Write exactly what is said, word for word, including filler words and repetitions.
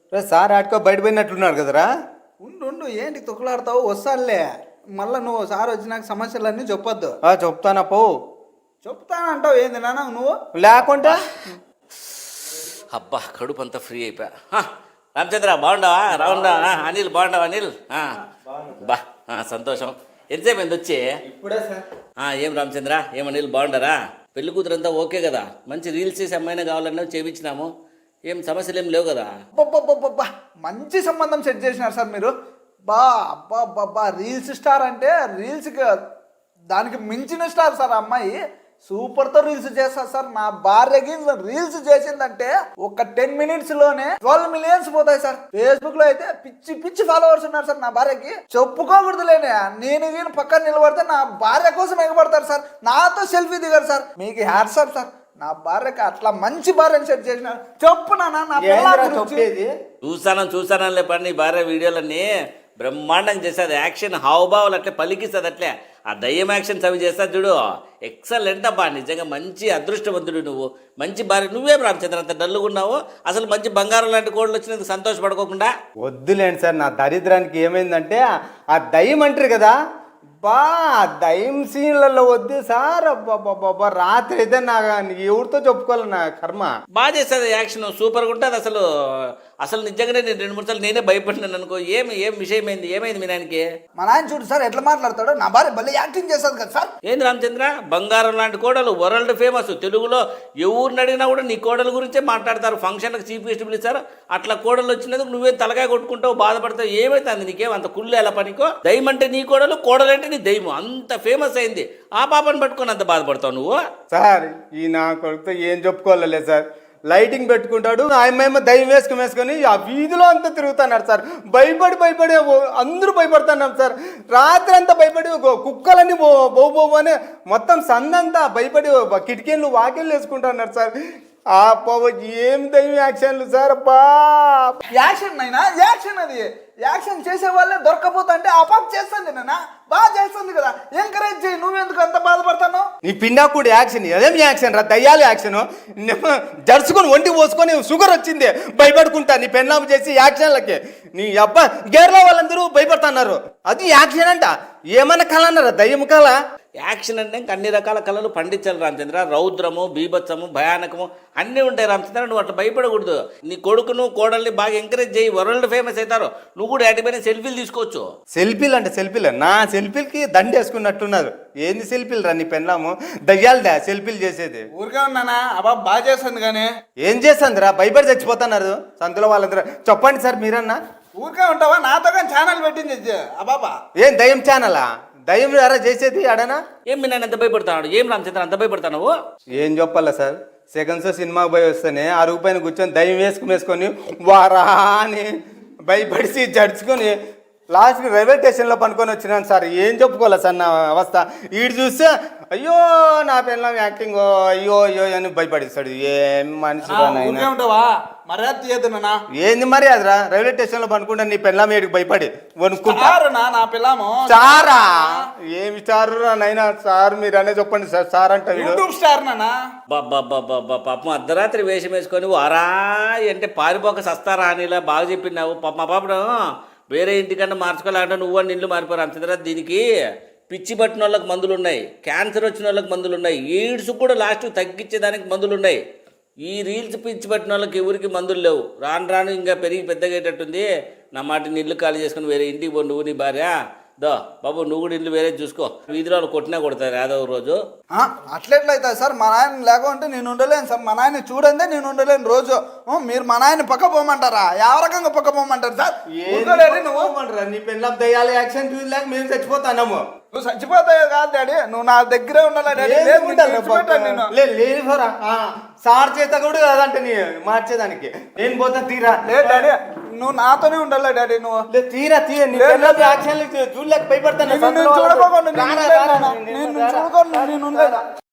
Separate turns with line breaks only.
రే sir ఆడుకో బయట పోయినట్లున్నాడు కదరా.
ఉండు ఉండు ఏంటి తొక్కులాడతావు వస్తానులే. మళ్ళీ నువ్వు సార్ వచ్చినాక సమస్యలన్నీ చెప్పొద్దు.
ఆ చెప్తానా పో.
చెప్తానంటావు ఏంది నాన్న నువ్వు
లేకుంటే
అబ్బా కడుపు అంతా ఫ్రీ అయిపోయా. హ, రామచంద్ర బాగుండవా? రావుండవా? అనిల్ బాగుండవా? అనిల్ ఆ, బా ఆ, సంతోషం. ఎంతసేపు అయింది వచ్చి?
ఇప్పుడే సార్.
ఆ, ఏం రామచంద్ర ఏం అనిల్ బాగుండరా? పెళ్లి కూతురంతా ఓకే కదా? మంచి రీల్స్ చేసి అమ్మాయినా కావాలన్నా చేయించినాము. ఏం సమస్యలు ఏం లేవు కదా?
అబ్బబ్బబ్బబ్బా మంచి సంబంధం సెట్ చేసినారు సార్ మీరు. బా అబ్బా అబ్బా రీల్స్ స్టార్ అంటే రీల్స్కి దానికి మించిన స్టార్ సార్ ఆ అమ్మాయి. సూపర్తో రీల్స్ చేస్తారు సార్. నా భార్యకి రీల్స్ చేసిందంటే ఒక టెన్ మినిట్స్ లోనే ట్వెల్వ్ మిలియన్స్ పోతాయి సార్. ఫేస్బుక్ లో అయితే పిచ్చి పిచ్చి ఫాలోవర్స్ ఉన్నారు సార్ నా భార్యకి. చెప్పుకోకూడదులేనే, నేను నేను పక్కన నిలబడితే నా భార్య కోసం ఎగబడతారు సార్. నాతో సెల్ఫీ దిగారు సార్. మీకు హ్యాట్సాప్ సార్. నా భార్యకి అట్లా మంచి భార్యని సెట్ చేసిన. చెప్పు నాన్న నా
చెప్పేది.
చూసాను చూసాను లేపండి నీ భార్య వీడియోలన్నీ బ్రహ్మాండంగా చేస్తుంది. యాక్షన్ హావభావాలు అట్లే పలికిస్తుంది. అట్లే ఆ దయ్యం యాక్షన్స్ అవి చేస్తుంది చూడు. ఎక్సలెంట్ అబ్బా, నిజంగా మంచి అదృష్టవంతుడు నువ్వు. మంచి భార్య. నువ్వేం రామచంద్ర అంత డల్లుగా ఉన్నావు? అసలు మంచి బంగారం లాంటి కోళ్ళు వచ్చినందుకు సంతోషపడుకోకుండా?
వద్దులేండి సార్, నా దరిద్రానికి ఏమైందంటే ఆ దయ్యం అంటారు కదా, బా దయ్యం సీన్లలో వద్దు సార్. అబ్బాబ్బాబ్బా రాత్రి అయితే నా ఎవరితో చెప్పుకోవాలి నా కర్మ.
బాగా చేస్తుంది యాక్షన్, సూపర్గా ఉంటుంది. అసలు అసలు నిజంగానే నేను రెండు మూడు సార్లు నేనే భయపడినాను అనుకో. ఏమి ఏం విషయం అయింది? ఏమైంది మీ నాయనకి?
మా నాయన చూడు సార్ ఎట్లా మాట్లాడతాడో. నా భార్య భలే యాక్టింగ్ చేస్తుంది కదా సార్.
ఏంది రామచంద్ర, బంగారం లాంటి కోడలు, వరల్డ్ ఫేమస్. తెలుగులో ఎవరిని అడిగినా కూడా నీ కోడల గురించే మాట్లాడతారు. ఫంక్షన్లకు చీఫ్ గెస్ట్ పిలుస్తారు. అట్లా కోడలు వచ్చినందుకు నువ్వే తలకాయ కొట్టుకుంటావు, బాధపడతావు. ఏమైతుంది నీకేం అంత కుళ్ళు ఎలా పనికో? దయ్యం అంటే నీ కోడలు, కోడలు అంటే నీ దయ్యం. అంత ఫేమస్ అయింది. ఆ పాపను పట్టుకొని అంత బాధపడతావు నువ్వు?
సార్ ఈ నా కొడుకుతో ఏం చెప్పుకోవాలలే సార్. లైటింగ్ పెట్టుకుంటాడు, ఆయమేమో దయ్యం వేసుకుని వేసుకొని ఆ వీధిలో అంతా తిరుగుతున్నారు సార్. భయపడి భయపడి అందరూ భయపడుతున్నాం సార్. రాత్రి అంతా భయపడి కుక్కలన్నీ బో బో బో అని మొత్తం సందంతా భయపడి కిటికీలు వాకిళ్ళు వేసుకుంటున్నారు సార్. ఆ బాబు ఏం దయ్యం యాక్షన్లు సార్. బా
యాక్షన్ అయినా యాక్షన్, అది యాక్షన్ చేసే వాళ్ళే దొరకపోతా అంటే ఆ పాప చేస్తుంది నాన్న, బాగా చేస్తుంది కదా. ఎంకరేజ్ చేయి. నువ్వెందుకు అంత బాధపడతాను?
నీ పిండాకుడు యాక్షన్ అదేం యాక్షన్ రా, దయ్యాలు యాక్షన్. జరుచుకొని ఒంటి పోసుకొని షుగర్ వచ్చింది భయపడుకుంటా నీ పెన్నాము చేసి యాక్షన్లకి. నీ అబ్బా గేర్లో వాళ్ళందరూ భయపడుతున్నారు. అది యాక్షన్ అంట. ఏమన్నా కళ అన్నారా? దయ్యం కళ.
యాక్షన్ అంటే ఇంకా అన్ని రకాల కళలు పండించాలి రామచంద్ర. రౌద్రము, బీభత్సము, భయానకము అన్నీ ఉంటాయి రామచంద్ర. నువ్వు అట్లా భయపడకూడదు. నీ కొడుకును కోడల్ని బాగా ఎంకరేజ్ చేయి. వరల్డ్ ఫేమస్ అవుతారు. నువ్వు కూడా యాటిపైన సెల్ఫీలు తీసుకోవచ్చు.
సెల్ఫీలు అంటే సెల్ఫీలు నా సెల్ఫీలకి దండ వేసుకున్నట్టున్నారు. ఏంది సెల్ఫీలు రా నీ పెన్నాము? దయ్యాలదా సెల్ఫీలు చేసేది?
ఊరికే ఉన్నానా? అబ్బా బాగా చేస్తుంది కానీ
ఏం చేస్తుంది రా? భయపడి చచ్చిపోతున్నారు సంతలో వాళ్ళందరూ. చెప్పండి సార్ మీరన్నా.
ఊరికే ఉంటావా? నాతో కానీ ఛానల్ పెట్టింది అబాబా.
ఏం దయ్యం ఛానలా? దయ్యం ఎరా చేసేది అడనా?
ఏం మీ నాన్న ఎంత భయపడతాడు? ఏం రామచంద్ర అంత భయపడతావు?
ఏం చెప్పాలా సార్, సెకండ్ షో సినిమాకి పోయి వస్తేనే అరుగు పైన కూర్చొని దయ్యం వేసుకుని వేసుకొని వారా అని భయపడిసి జడుచుకొని లాస్ట్కి రైల్వే స్టేషన్లో పనుకొని వచ్చినాను సార్. ఏం చెప్పుకోవాలి సార్ నా అవస్థ. ఈడు చూస్తే అయ్యో నా పిల్లం యాక్టింగ్ అయ్యో అయ్యో అని భయపడిస్తాడు. ఏం మనిషి
ఉంటావా? మర్యాద తీయద్దు నాన్న.
ఏంది మరి అదిరా? రైల్వే స్టేషన్లో పనుకుంటా నీ పిల్లం ఏడికి భయపడి
వణుకుంటారు నా పిల్లము.
సారా ఏమి స్టార్ నైనా సార్ మీరు అనే చెప్పండి సార్. సార్ అంటే
యూట్యూబ్ స్టార్ నానా.
బాబా పాపం అర్ధరాత్రి వేషం వేసుకొని అరా అంటే పారిపోక సస్తారా అనిలా బాగా చెప్పినావు. పాప మా పాపను వేరే ఇంటికన్నా మార్చుకోవాలంటే నువ్వు నిల్లు మారిపోరు రామచంద్ర. దీనికి పిచ్చి పట్టిన వాళ్ళకి మందులు ఉన్నాయి, క్యాన్సర్ వచ్చిన వాళ్ళకి మందులు ఉన్నాయి, ఎయిడ్స్ కూడా లాస్ట్ తగ్గించేదానికి మందులు ఉన్నాయి. ఈ రీల్స్ పిచ్చి పట్టిన వాళ్ళకి ఎవరికి మందులు లేవు. రాను రాను ఇంకా పెరిగి పెద్దగేటట్టుంది. నా మాట నీళ్ళు ఖాళీ చేసుకుని వేరే ఇంటికి పో నువ్వు నీ భార్య. దో బాబు నువ్వు కూడా ఇల్లు వేరే చూసుకో. వీధిలో వాళ్ళు కొట్టినా కొడతారు ఏదో రోజు.
అట్లెట్లయితే సార్? మా నాయన లేకుంటే నేను ఉండలేను సార్. మా నాయన చూడండి నేను ఉండలేను రోజు. మీరు మా నాయన పక్క పోమంటారా? ಯಾವ రకంగా పక్క పోమంటారు సార్?
నువ్వు నీ పిల్లల దయ్యాల యాక్షన్ చూడలేక మేము చచ్చిపోతాము.
నువ్వు చచ్చిపోతావు కాదు డాడీ, నువ్వు నా దగ్గరే ఉండాలి డాడీ.
లేదు సార్ చేత కూడా కాదంటే నీ మార్చేదానికి నేను పోతా. తీరా
లేదు డాడీ, నువ్వు నాతోనే ఉండాలి డాడీ. నువ్వు
తీరా తీర యాక్షన్ చూడలేక భయపడతాను.
చూడకోకుండా నేను